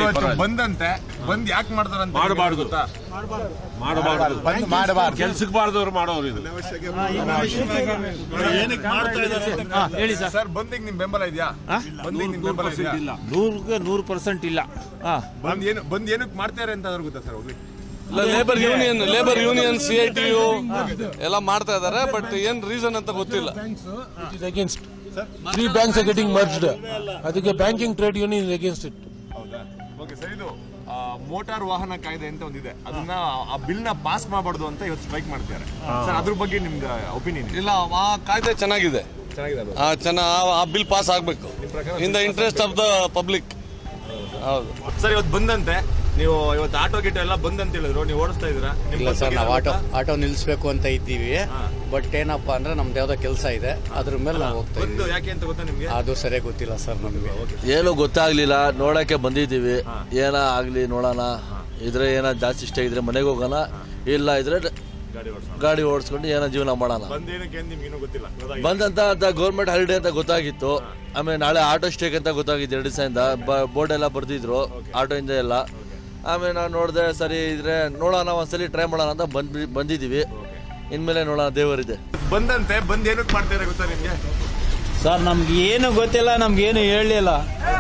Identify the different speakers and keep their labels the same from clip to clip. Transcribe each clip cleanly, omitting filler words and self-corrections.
Speaker 1: ಬಂದಂತೆ ಬಂದ್ ಯಾಕೆ ಮಾಡ್ತಾರಂತ
Speaker 2: ಮಾಡಬಾರ್ದು ಕೆಲ್ಸಕ್ಕೆ ಬಾರ್ದವ್ರು ಮಾಡೋರು ಇದು.
Speaker 3: ಹೇಳಿ
Speaker 1: ಸರ್ ಬಂದಿಗೆ ನಿಮ್ ಬೆಂಬಲ ಇದೆಯಾ? ಬಂದಿಗೆ ನಿಮ್ ಬೆಂಬಲ ಇದೆಯಾ?
Speaker 3: 100% ಇಲ್ಲ.
Speaker 1: ಬಂದ್ ಏನಕ್ಕೆ ಮಾಡ್ತಾರೆ ಅಂತ ಗೊತ್ತಾ ಸರ್? ಹೋಗ್ಲಿ
Speaker 4: ಲೇಬರ್ ಯೂನಿಯನ್ CITU ಎಲ್ಲ ಮಾಡ್ತಾ ಇದಾರೆ, ಬಟ್ ಏನ್ ರೀಸನ್ ಅಂತ ಗೊತ್ತಿಲ್ಲ.
Speaker 5: 3 banks are getting merged. ಅದಕ್ಕೆ banking trade union is against it.
Speaker 1: ಹೌದಾ? ಓಕೆ ಸರ್, ಇದು ಮೋಟಾರ್ ವಾಹನ ಕಾಯ್ದೆ ಅಂತ ಒಂದಿದೆ, ಅದನ್ನ ಆ ಬಿಲ್ ನ ಪಾಸ್ ಮಾಡಬಾರ್ದು ಅಂತ ಇವತ್ತು ಸ್ಟ್ರೈಕ್ ಮಾಡ್ತಾರೆ ಸರ್. ಅದ್ರ ಬಗ್ಗೆ ನಿಮ್ಗೆ ಒಪಿನಿಯನ್?
Speaker 4: ಇಲ್ಲ, ಆ ಕಾಯ್ದೆ ಚೆನ್ನಾಗಿದೆ, ಆ ಬಿಲ್ ಪಾಸ್ ಆಗ್ಬೇಕು in the interest of the public. ಹೌದು
Speaker 1: ಸರ್, ಇವತ್ತು ಬಂದಂತೆ ನೀವು ಇವತ್ತು ಆಟೋ ಗಿಟೋ ಎಲ್ಲ ಬಂದಂತ ಹೇಳಿದ್ರು, ನೀವು ಓಡಿಸ್ತಾ ಇದೀರಾ?
Speaker 6: ಇಲ್ಲ ಸರ್, ನಾವು ಆಟೋ ನಿಲ್ಲಿಸಬೇಕು ಅಂತ ಇದ್ದೀವಿ. ಬಟ್ ಏನಪ್ಪಾ ಅಂದ್ರೆ ನಮ್ದು ಯಾವ್ದೋ ಕೆಲಸ ಇದೆ, ಅದ್ರ ಮೇಲೆ ನಾವು ಹೋಗ್ತಾ ಇದ್ದೀವಿ.
Speaker 1: ಯಾಕೆ ಅಂತ ಗೊತ್ತಾ ನಿಮ್ಗೆ?
Speaker 6: ಅದು ಸರಿಯಾಗಿ ಗೊತ್ತಿಲ್ಲ ಸರ್ ನಮಗೆ.
Speaker 7: ಏನು ಗೊತ್ತಾಗ್ಲಿಲ್ಲ, ನೋಡಕ್ಕೆ ಬಂದಿದ್ದೀವಿ. ಏನ ಆಗ್ಲಿ ನೋಡೋಣ. ಇದ್ರೆ ಏನ ಜಾಸ್ತಿ ಇಷ್ಟ ಇದ್ರೆ ಮನೆಗೆ ಹೋಗೋಣ, ಇಲ್ಲ ಇದ್ರೆ ಗಾಡಿ ಓಡಿಸ್ಕೊಂಡು ಏನೋ ಜೀವನ ಮಾಡೋಣ. ಬಂದಂತ ಗೌರ್ಮೆಂಟ್ ಹಾಲಿಡೇ ಅಂತ ಗೊತ್ತಾಗಿತ್ತು. ಆಮೇಲೆ ನಾಳೆ ಆಟೋ ಸ್ಟೇಕ್ ಅಂತ ಗೊತ್ತಾಗಿತ್ತು. 2 ದಿವಸದಿಂದ ಬೋರ್ಡ್ ಎಲ್ಲ ಬರ್ದಿದ್ರು ಆಟೋ ಇಂದ ಎಲ್ಲ. ಆಮೇಲೆ ನಾನು ನೋಡಿದೆ, ಸರಿ ಇದ್ರೆ ನೋಡೋಣ ಒಂದ್ಸಲಿ ಟ್ರೈ ಮಾಡೋಣ ಅಂತ ಬಂದಿದ್ದೀವಿ. ಇನ್ಮೇಲೆ ನೋಡೋಣ, ದೇವರಿದೆ.
Speaker 1: ಬಂದಂತೆ ಬಂದ್ ಏನಕ್ಕೆ ಮಾಡ್ತಾರೆ ಗೊತ್ತಾ ನಿಮ್ಗೆ?
Speaker 3: ಸರ್ ನಮ್ಗೆ ಏನು ಗೊತ್ತಿಲ್ಲ, ನಮ್ಗೇನು ಹೇಳಲಿಲ್ಲ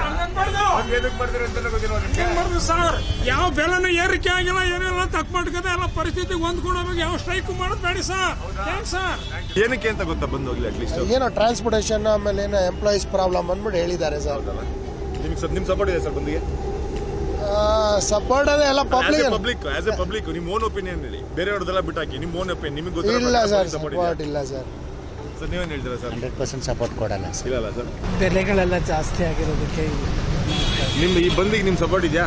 Speaker 8: ಸರ್. ಯಾವ ಬೆಲೆನೂ ಏರಿಕೆ ಆಗಿಲ್ಲ, ಏನೆಲ್ಲ ತಕ್ಕ ಮಾಡ್ಕದ ಎಲ್ಲ ಪರಿಸ್ಥಿತಿ ಹೊಂದ್ಕೊಂಡು ಯಾವ ಸ್ಟ್ರೈಕ್ ಮಾಡೋದು ಬೇಡಿ ಸರ್.
Speaker 1: ಏನಕ್ಕೆ ಅಂತ ಗೊತ್ತಾ ಬಂದ್ ಹೋಗ್ಲಿ? ಅಟ್ಲೀಸ್ಟ್
Speaker 5: ಏನೋ ಟ್ರಾನ್ಸ್ಪೋರ್ಟೇಷನ್ ಆಮೇಲೆ ಏನೋ ಎಂಪ್ಲಾಯೀಸ್ ಪ್ರಾಬ್ಲಮ್ ಅಂದ್ಬಿಟ್ಟು ಹೇಳಿದ್ದಾರೆ ಸರ್.
Speaker 1: ನಿಮ್ ಸಪೋರ್ಟ್ ಇದೆ ಸರ್ ಬಂದಿಗೆ?
Speaker 5: ಸಪೋರ್ಟ್ ಅದೇ ಎಲ್ಲ
Speaker 1: ಪಬ್ಲಿಕ್ ಆಸ್ ಎ ಪಬ್ಲಿಕ್ ನಿಮ್ ಓನ್ ಒಪಿನಿಯನ್ ಹೇಳಿ, ಬೇರೆಯವ್ರದೆಲ್ಲ ಬಿಟ್ಟಾಕಿ ನಿಮ್ ಓನ್ ಒಪಿನಿಯನ್. ನಿಮಗೆ ಗೊತ್ತಿಲ್ಲ?
Speaker 5: ಇಲ್ಲ ಸರ್, ಸಪೋರ್ಟ್ ಇಲ್ಲ ಸರ್.
Speaker 1: ಸರ್ ನೀವೇನು ಹೇಳ್ತೀರಾ ಸರ್?
Speaker 6: 100% ಸಪೋರ್ಟ್ ಕೊಡಲ್ಲ ಸರ್.
Speaker 1: ಇಲ್ಲ ಸರ್,
Speaker 8: ಬೆಲೆಗಳೆಲ್ಲ ಜಾಸ್ತಿ ಆಗಿರೋದಕ್ಕೆ
Speaker 1: ನಿಮ್ ಈ ಬಂದಿಗೆ ನಿಮ್ ಸಪೋರ್ಟ್ ಇದೆಯಾ?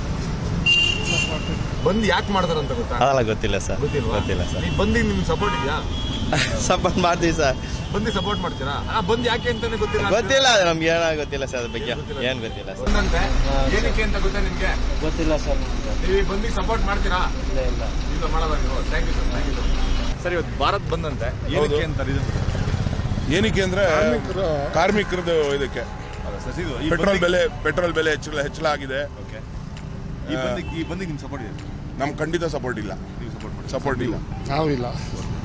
Speaker 1: ಬಂದ್ ಯಾಕೆ ಮಾಡ್ತಾರಂತ ಗೊತ್ತಾ?
Speaker 6: ಅದೆಲ್ಲ ಗೊತ್ತಿಲ್ಲ ಸರ್.
Speaker 1: ಗೊತ್ತಿಲ್ಲ ಸರ್. ಈ ಬಂದಿಗೆ ನಿಮ್ ಸಪೋರ್ಟ್ ಇದೆಯಾ?
Speaker 6: ಸಪೋರ್ಟ್ ಮಾಡ್ತೀವಿ ಸರ್.
Speaker 1: ಬಂದಿ ಸಪೋರ್ಟ್ ಮಾಡ್ತೀರಾ? ಬಂದ್ ಯಾಕೆ ಅಂತಾನೆ ಗೊತ್ತಿಲ್ಲ?
Speaker 6: ಗೊತ್ತಿಲ್ಲ, ನಮ್ಗೆ ಏನೋ ಗೊತ್ತಿಲ್ಲ ಸರ್, ಅದ್ರ ಬಗ್ಗೆ ಏನ್ ಗೊತ್ತಿಲ್ಲ ಸರ್.
Speaker 1: ಏನಕ್ಕೆ ಅಂತ ಗೊತ್ತಾ ನಿಮ್ಗೆ?
Speaker 3: ಗೊತ್ತಿಲ್ಲ ಸರ್.
Speaker 1: ನೀವು ಬಂದಿಗೆ ಸಪೋರ್ಟ್ ಮಾಡ್ತೀರಾ?
Speaker 3: ಇಲ್ಲ
Speaker 1: ಮಾಡಲ್ಲ ನೀವು. Thank you sir. ಸರ್, ಇವತ್ತು ಭಾರತ್ ಬಂದಂತೆ ಏನಕ್ಕೆ ಅಂತ ರೀಸನ್?
Speaker 2: ಏನಕ್ಕೆ ಅಂದ್ರೆ ಕಾರ್ಮಿಕರದ್ದು ಇದಕ್ಕೆ ಪೆಟ್ರೋಲ್ ಬೆಲೆ ಹೆಚ್ಚಳ ಆಗಿದೆ.
Speaker 1: ಈ ಬಂದಿಗೆ ನಿಮ್ ಸಪೋರ್ಟ್ ಇದೆ?
Speaker 2: ನಮ್ ಖಂಡಿತ ಸಪೋರ್ಟ್ ಇಲ್ಲ. ಸಪೋರ್ಟ್ ಇಲ್ಲ.
Speaker 5: ನಾವಿಲ್ಲ.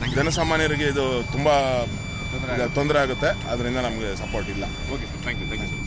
Speaker 2: ಜನಸಾಮಾನ್ಯರಿಗೆ ಇದು ತುಂಬಾ ತೊಂದರೆ ಆಗುತ್ತೆ, ಅದರಿಂದ ನಮ್ಗೆ ಸಪೋರ್ಟ್ ಇಲ್ಲ.
Speaker 1: Okay, thank you.